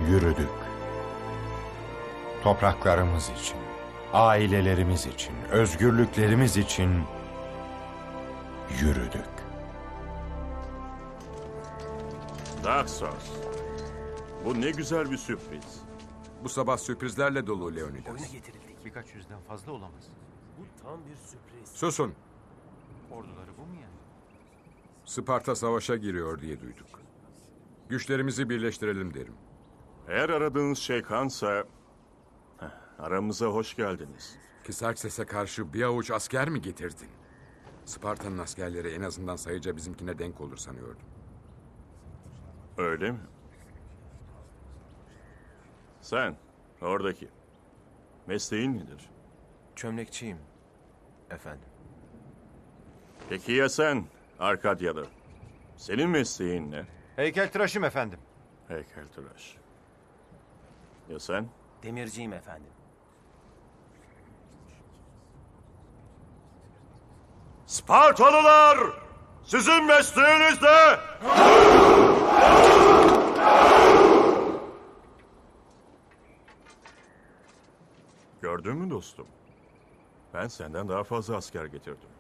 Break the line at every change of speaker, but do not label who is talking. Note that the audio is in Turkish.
yürüdük. Topraklarımız için, ailelerimiz için, özgürlüklerimiz için yürüdük.
Daxos, bu ne güzel bir sürpriz.
Bu sabah sürprizlerle dolu Leonidas.
Oyuna getirildik.
Birkaç yüzden fazla olamaz.
Bu tam bir sürpriz.
Susun.
Orduları bu mu yani?
Sparta savaşa giriyor diye duyduk. Güçlerimizi birleştirelim derim.
Eğer aradığınız şey kansa, aramıza hoş geldiniz.
Kisarkses'e karşı bir avuç asker mi getirdin? Sparta'nın askerleri en azından sayıca bizimkine denk olur sanıyordum.
Öyle mi? Sen, oradaki. Mesleğin nedir?
Çömlekçiyim efendim.
Peki ya sen, Arkadyalı? Senin mesleğin ne?
Heykeltıraşım efendim.
Heykeltıraş. Ya sen?
Demirciyim efendim.
Spartalılar! Sizin mesleğiniz ne? Gördün mü dostum? Ben senden daha fazla asker getirdim.